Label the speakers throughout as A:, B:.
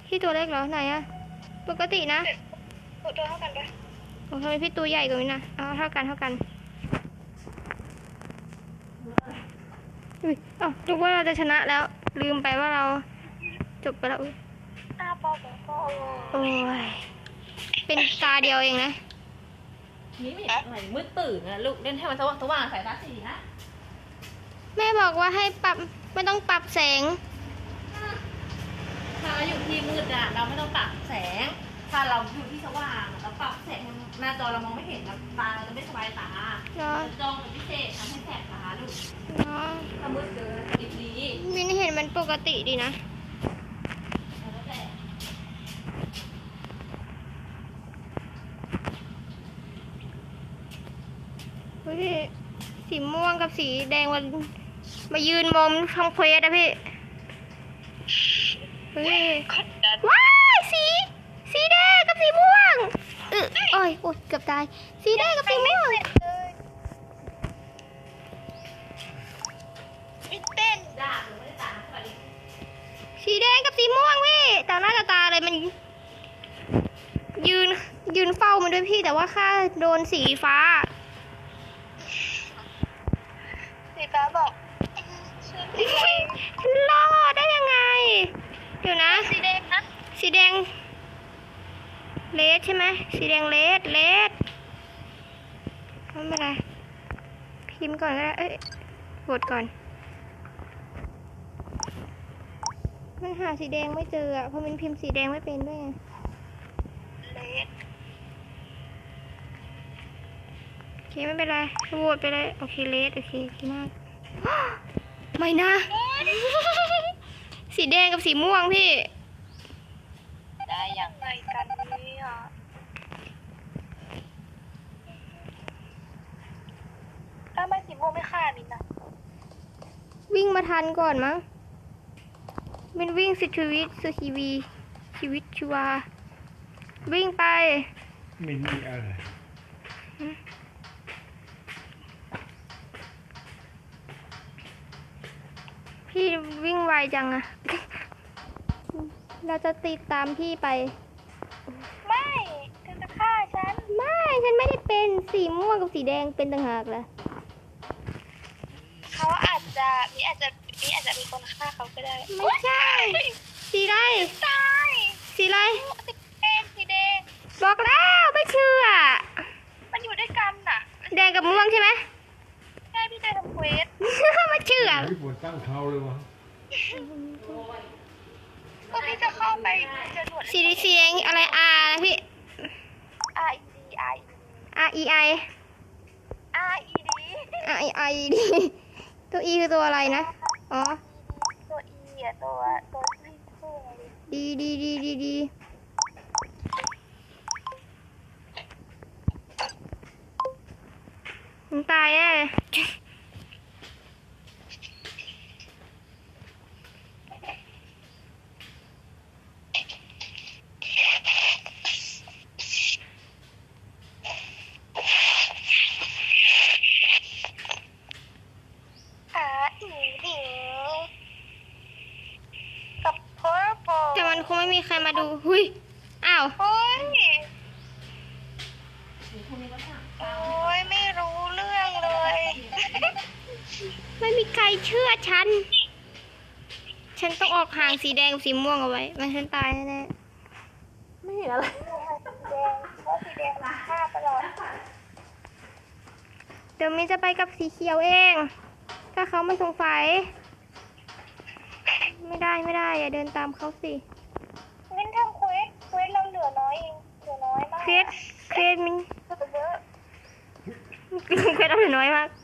A: พี่ตัวเล็กเหรอไหนอะปกตินะ
B: ตัวเท่ากันปะ
A: โอ้ทำไมพี่ตัวใหญ่กว่านี้นะเอาเท่ากันอุ้ยนึกว่าเราจะชนะแล้วลืมไปว่าเราจบไปแล้วโอ้ยเป็นตาเดียวเองนะ
C: นี่ไม่อะไรมืดตื่นนะลูกเล่นให้มันสว่างสายตาสีนะ
A: แม่บอกว่าให้ปรับไม่ต้องปรับแสง
C: ถ้าเราอยู่ที่มืดอะเราไม่ต้องปรับแสงถ้าเราอยู่ที่สว่างเราปรับแสงหน้าจอเรามองไม่เห็นตาเราจะไม่สบายตาจอเป็นพิเศษทำให้แสบตาลูกถ้ามืดเกินติดดี
A: วินเห็นมันปกติดีนะสีม่วงกับสีแดงมายืนมองทำเควสอะพี่ว้ายสีแดงกับสีม่วงโอ้ยเกือบตายสีแดงกับสีม่วงสีแดงกับสีม่วงพี่ต่อหน้าต่อตาเลยมันยืนเฝ้ามันด้วยพี่แต่ว่าข้าโดนสีฟ้า
B: บอก
A: รอดได้ยังไงเดี๋ยวนะ
B: สีแดงนะ
A: สีแดงเลดใช่ไหมสีแดงเลดไม่เป็นไรพิมพ์ก่อนก็ได้กดก่อนมันหาสีแดงไม่เจอเพราะมันพิมพ์สีแดงไม่เป็นด้วย
B: เลด
A: โอเคไม่เป็นไรโหวตไปเลยโอเคเลดโอเคดีมากไม่นะสีแดงกับสีม่วงพี่
B: ได้อย่างไรกันเนี่ยถ้าไม่สีม่วงไม่ฆ่ามินนะ
A: วิ่งมาทันก่อนมั้งเป็นวิ่งสุดชีวิตชีวาวิ่งไป
D: ไม่มีอะไร
A: พี่วิ่งไวจังอะเราจะติดตามพี่ไป
B: ไม่เธอจะฆ่าฉัน
A: ฉันไม่ได้เป็นสีม่วงกับสีแดงเป็นต่างหากล่ะ
B: เขาอาจจะมีคนฆ่าเขาก็ได้
A: ไม่ใช่สีอะไร
B: ตาย
A: สีอะไร
B: สีแดง
A: บอกแล้วไม่เชื่อ
B: มันอยู่ด้วยกันน่ะ
A: แดงกับม่วงใช่ไหม
B: ใช่พี่ได้ทำเควส
A: ไม่เชื่อ
D: พี่ปวดตั้งเท้าเลยวะ
B: ก็พี่จะเข้าไปจะหนวด
A: สีแดงอะไรนะพี่ REID ตัว E คือตัวอะไรนะอ๋อ
B: ตัว E อ่ะตัวที่ชื่ออะไร
A: ดีมึงตายแน่แต่มันคงไม่มีใครมาดูหุยอ้าว
B: โอ้ยไม่รู้เรื่องเลย
A: ไม่มีใครเชื่อฉันต้องออกห่างสีแดงกับสีม่วงเอาไว้ไม่ฉันตายแน่
C: ไม่เห็นอะไร
B: สีแดงฆ่าตลอด
A: เดี๋ยวมิ้นจะไปกับสีเขียวเอง ถ้าเขาไม่สงสัยไม่ได้อย่าเดินตามเขาสิ
B: มิ้นทำเควสเราเหลือน้อยเองเหลือน้อยมาก
A: เคสมิ้นเควสเราเหลือน้อยมาก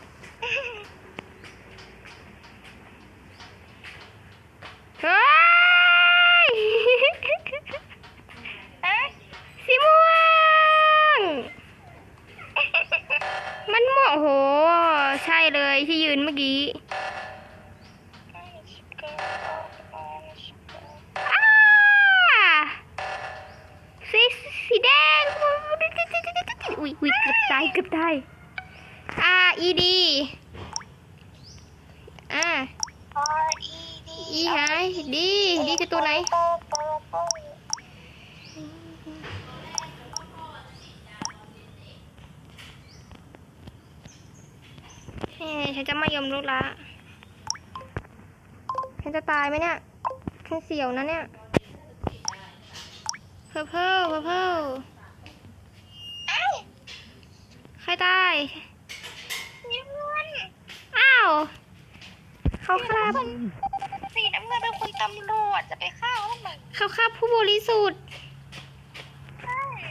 A: เฮ้ยสีม่วงมันโมโหใช่เลยที่ยืนเมื่อกี้สีแดงอุ้ยเกือบตายRED
B: RED
A: หายดีคือตัวไหน
B: ห้อง
A: ฉันจะไม่ยอมลุกละฉันจะตายไหมเนี่ยฉันเสียวนะเนี่ยเพอเพิ่มใครตาย
B: นี่เพื่อน
A: อ้าวเขาฆ่า
B: สีน้ำเงินเป็นคุณตำรวจจะไปฆ่าเขาทำไม
A: เขาฆ่าผู้บริสุทธิ์
B: ใช่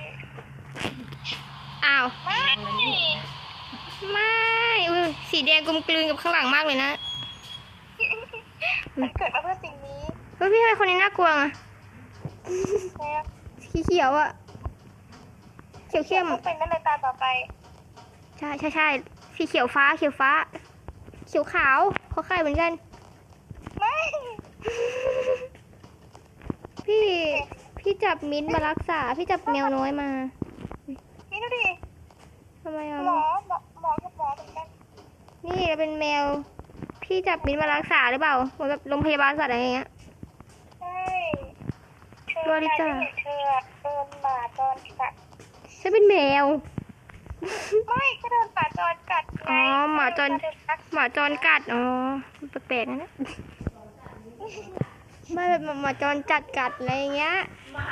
A: อ้าว
B: ไม่
A: ไม่อุ๊ยสีแดงกลมกลืนกับข้างหลังมากเลยนะ
B: มันเกิดมาเพื่อสิ่งนี้
A: เฮ้ยพี่ทำไมคนนี้น่ากลัวอ่ะ
B: แล้ว
A: สีเขียวอ่ะเขียวเข้ม
B: ต้องเป็นนั่นเลยตาต่อไป
A: ใช่สีเขียวฟ้าเขียวขาวเขาคล้ายเหมือนกัน
B: ไม่
A: พี่จับมิ้นท์มารักษาพี่จับแมวน้อยมา
B: นี่ดูดิ
A: ทำไมอ่ะ
B: หมอกับหมอเหมือนกัน
A: นี่เป็นแมว พี่จับมิ้นท์มารักษาหรือเปล่าเหมือนแบบโรงพยาบาลสัตว์อะไรอย่างเงี้ย
B: ใช่เธอ
A: ตัวดิ
B: นาย
A: จ้ะ
B: จะเห็นเธอเดินหมาจรกัด
A: ฉันเป็นแมว
B: ไม่ก็เดินหมาจรกัดไง
A: อ๋อหมาจร
B: เดินรัก
A: หมาจรกัด อ๋อ แปลกๆนะเนี่ยไม่แบบหมาจรจัดกัดอะไรอย่างเงี้ย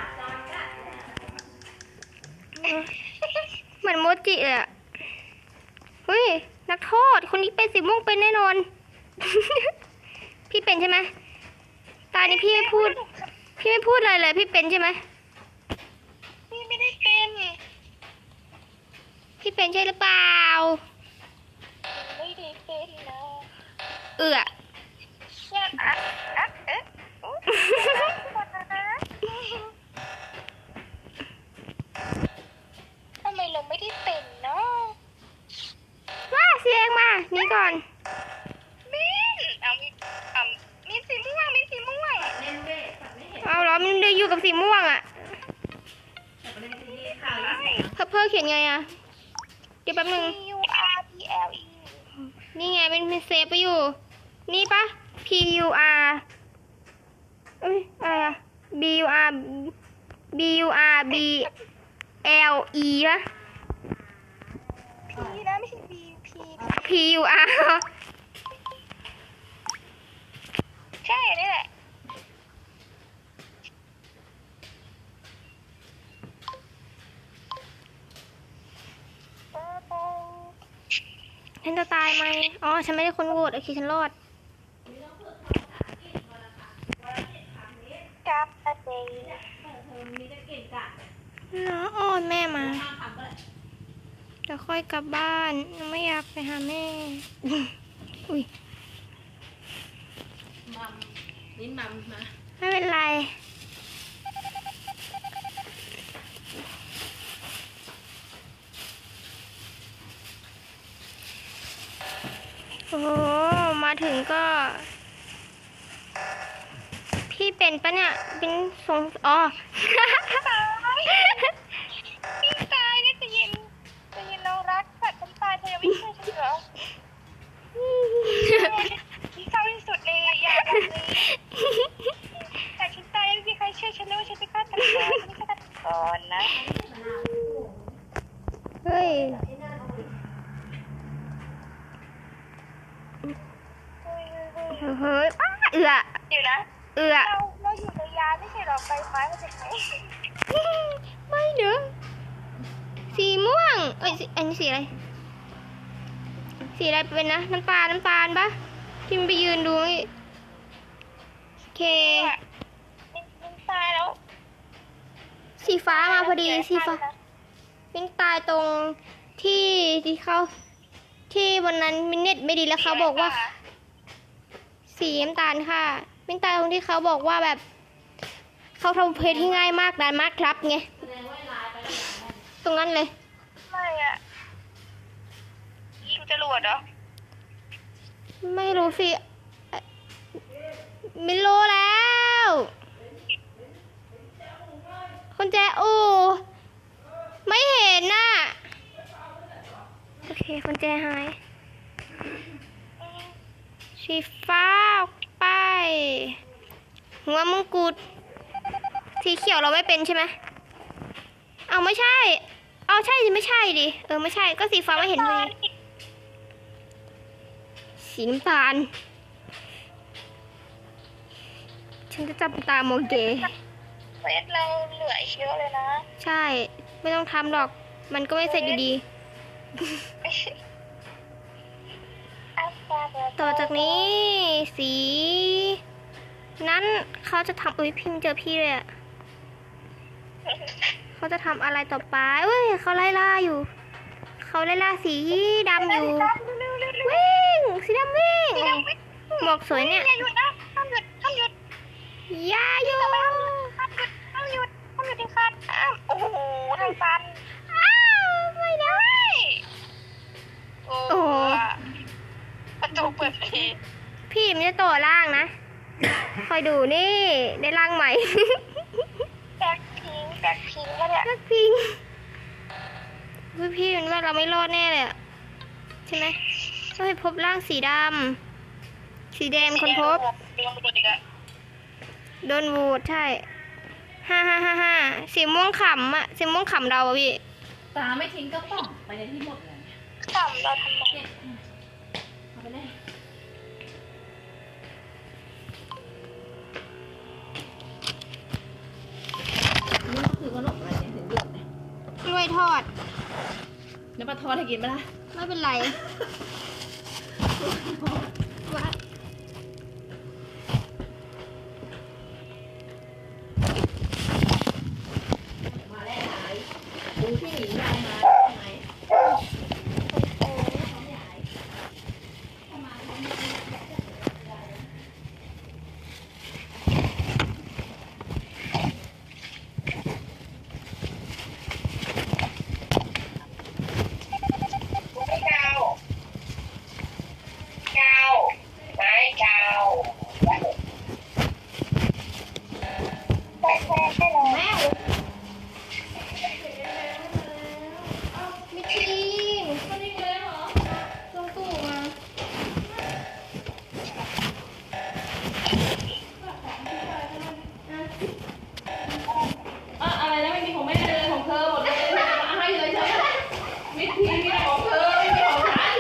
A: เหมือนโมจิเลยอะเฮ้ย นักโทษ คนนี้เป็นสีม่วงเป็นแน่นอน พี่เป็นใช่ไหม ตานี้พี่ไม่พูดอะไรเลย พี่เป็นใช่ไหม
B: พี่ไม่ได้เป็น
A: พี่เป็นใช่หรือเปล่า
B: ไม่ได้เป็นนะ
A: เอื้อ
B: เนี่ยเอ๊ะอุ๊ยก่อนนะทำไมเราไม่ได้เป็นเนาะ
A: ว้าเสียงมานี่ก่อน
B: มิ้นมีสีม่วง
C: เล่นเวทสัตว์ไม่เห็น
A: เอาเหรอมันได้อยู่กับสีม่วงอะ
C: แต่ประเด็นคือที่ข่าวล่าสุด
A: เพิ่มเขียนไงอะเดี๋ยวแป๊บนึง
B: PURPLE
A: นี่ไงเป็นเซฟไปอยู่ นี่ปะ P U R เอ้ยอะไรอะ B U R B U R B L E ปะ
B: P นะไม่ใช่ B P
A: P U R
B: ใช่นี่แหละ
A: ฉันจะตายไหมอ๋อ ฉันไม่ได้คนโหวตโอเค ฉันรอด
B: กับอะเดย์
C: เธอมีแต่เก่งกะ
A: เนาะอ้อนแม่มา
C: ห้ามทำก็ได้
A: เดี๋ยวค่อยกลับบ้าน ไม่อยากไปหาแม่ อุ้ย
C: มัมลิ้นมัมมา
A: ไม่เป็นไร โอ้โหมาถึงก็ พี่เป็นปะเนี่ย เป็นทรงอ๋อ
B: พี่ตายนี่จะยินเรารักสัตว์ฉันตายเธอยังไม่เชื่อฉันเหรอที่เศร้าที่สุดเลยอย่าแบบนี้แต่ฉันตายยังไม่มีใครเชื่อฉันเลยว่าฉันเป็นฆาตกรฉันไม่ใช่ฆาตกรนะ
A: เฮ้ย เฮ้ยอ้าเอือ
B: เดี๋ยวนะ
A: เอือ
B: เราอยู่ในยานไม่ใช่หรอไฟฟ้ามาจากไหน
A: ไม่เด้อสีม่วง เอ้ยอันนี้สีอะไร สีอะไรเป็นนะ น้ำตาลปะที่มันไปยืนดูนี่โอเค
B: มันตายแล้ว
A: สีฟ้ามาพอดี สีฟ้าเป็นตายตรงที่เขาที่วันนั้นมินเน็ตไม่ดีแล้วเขาบอกว่า สีน้ำตาลค่ะเป็นตายตรงที่เขาบอกว่าแบบ เขาทำเพลงที่ง่ายมากนานมากครับไง
C: แสดงว่าลายไปแล้ว
A: ตรงนั้นเลย
B: ไม่อะยิงจรวดเหรอ
A: ไม่รู้สิไม่รู้แล้วคนแจอูไม่เห็นน่ะโอเคคนแจหายสีฟ้าออกไป หัวมงกุฎสีสีเขียวเราไม่เป็นใช่ไหมเอาไม่ใช่ เอาใช่สิไม่ใช่ดิ ไม่ใช่ ก็สีฟ้าไม่เห็นเลยสีน้ำตาล ฉันจะจับตามองเก
B: เฟสเราเหลืออีกเยอะเลยนะ
A: ใช่ ไม่ต้องทำหรอก มันก็ไม่เสร็จอยู่ดี ต่อจากนี้ สี นั้นเขาจะทำอุ้ยพิมพ์เจอพี่เลยอะเขาจะทำอะไรต่อไปเว้ยเขาไล่ล่าอยู่ เขาไล่ล่าสีดำอยู่ วิ่ง สีดำวิ่ง หมวกสวยเนี่ย
B: อย่าหยุดนะห้ามหยุดห้ามหยุด
A: อย่าอยู่
B: ห้ามหยุดห้ามหยุดห้ามหยุดที่คัดโอ้โหทางตัน
A: อ้าวไม่ได้
B: โอ้
A: โอ้โห
B: กระจกเปิดที
A: พี่มันจะต่อล่างนะ คอยดูนี่ ได้ล่างใหม่
B: แบ็คพิงค์แล้วเนี่ย
A: นักพิงพี่มันว่าเราไม่รอดแน่เลยอะใช่ไหมต้องให้พบร่างสีดำ สีแดงคนพบ
B: เรื่องปกติอะ
A: โดนโหวตใช่ 5 สีม่วงขำอะสีม่วงขำเราอะพี่
C: ตาไม่ทิ้งกระป๋องไปในที่หมดเลย
B: ต่ำเราทำไม
C: เนี่ยเอาไปเลยนี่ก็คือขนมอะไรเนี่ยถึงเดือดเนี่ย
A: กล้วยทอด
C: น้ำปลาทอดให้กินไหมล่ะ
A: ไม่เป็นไรว่า
C: มาแล้วไหนดูที่หนียายมาใช่ไหม
B: เจ้าไม้เจ้าใช่แล้ว
A: แม่มิทีน
C: มันนี่เลยเหรอ
A: ลงตู้มา
C: อะไรนะไม่มีของแม่เลยของเธอหมดเลยมาให้เลยใช่ไหมมิตรทีมีแต่ของเธอไม่มีของฉัน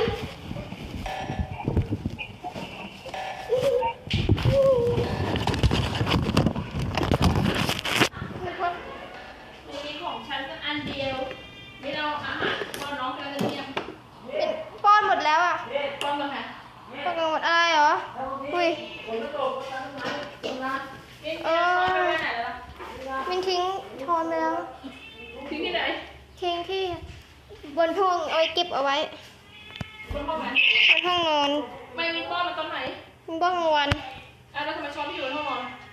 C: มีของฉันก็อันเดียวไม่เอาอาหารป้อนน้องกันจะเทียม
A: เป็นป้อนหมดแล้วอะ
C: ป้อนมาค่ะ
A: ป้อนกันหมดอะไรเหรอ อุ้ย มินทิ้งช้อนไปแล้ว
C: ทิ้งที่ไหน
A: ทิ้งที่บนห้องเอาไว้เก็บเอาไว้
C: บนห้องไหน
A: บนห้องนอน
C: ไม่มีป้อนมาตอนไหน
A: บนบ้องนอน
C: แล้วทำไมช้อนที่อยู่บนห้องนอน